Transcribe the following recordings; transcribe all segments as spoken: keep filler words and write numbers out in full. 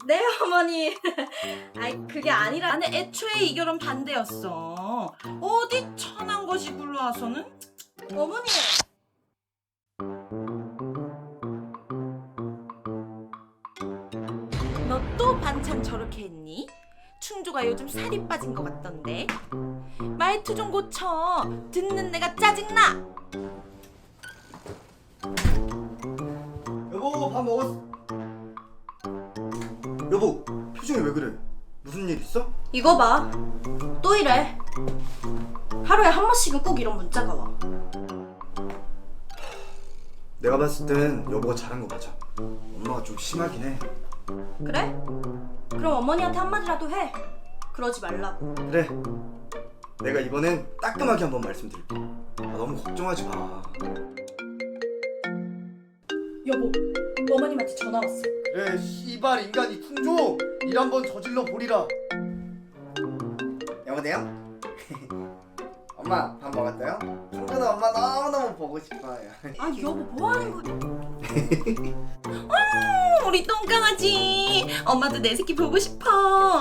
네 어머니. 아이 그게 아니라 나는 애초에 이 결혼 반대였어. 어디 천한 것이 굴러와서는. 어머니. 너 또 반찬 저렇게 했니? 충조가 요즘 살이 빠진 것 같던데. 말투 좀 고쳐. 듣는 내가 짜증나. 여보, 밥 먹었어? 여보, 표정이 왜 그래? 무슨 일 있어? 이거 봐. 또 이래. 하루에 한 번씩은 꼭 이런 문자가 와. 내가 봤을 땐 여보가 잘한 거 맞아. 엄마가 좀 심하긴 해. 그래? 그럼 어머니한테 한마디라도 해. 그러지 말라고. 그래, 내가 이번엔 따끔하게 한번 말씀드릴게. 아, 너무 걱정하지 마. 여보, 어머님한테 전화 왔어. 그래, 씨발 인간이 풍조! 일 한번 저질러 보리라. 여보세요? 엄마, 밥 먹었어요? 풍조는 엄마 너무너무 보고 싶어요. 아 여보 뭐 하는 거야? 어, 우리 똥강아지. 엄마도 내 새끼 보고 싶어.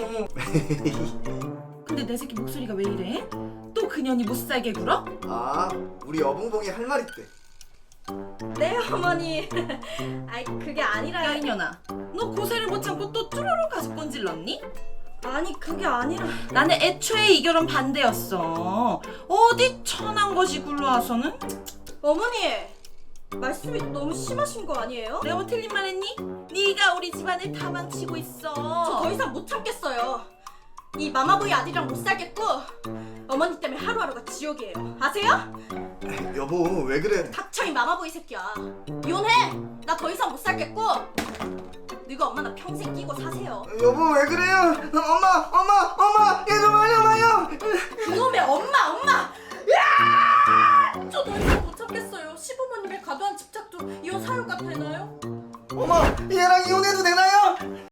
근데 내 새끼 목소리가 왜 이래? 또 그년이 못 살게 굴어? 아, 우리 여봉봉이 할 말 있대. 네 어머니. 아이 그게 아니라. 야 이년아, 너 고세를 못 참고 또 쭈루루 가서 꼰질렀니? 아니 그게 아니라 나는 애초에 이 결혼 반대였어. 어디 천한 것이 굴러와서는. 어머니 말씀이 너무 심하신 거 아니에요? 내가 뭐 틀린 말 했니? 네가 우리 집안을 다 망치고 있어. 저 더 이상 못 참겠어요. 이 마마보이 아들이랑 못 살겠고 어머니 때문에 하루하루가 지옥이에요. 아세요? 여보, 왜 그래? 닥쳐 이 마마보이 새끼야. 이혼해. 나 더 이상 못 살겠고 너가 엄마 나 평생 끼고 사세요. 여보, 왜 그래요? 엄마, 엄마, 엄마, 얘 좀 알려봐요. 그놈의 엄마 엄마. 야! 저 더 이상 못 참겠어요. 시부모님의 과도한 집착도 이혼 사유가 되나요? 엄마, 얘랑 이혼해도 되나요?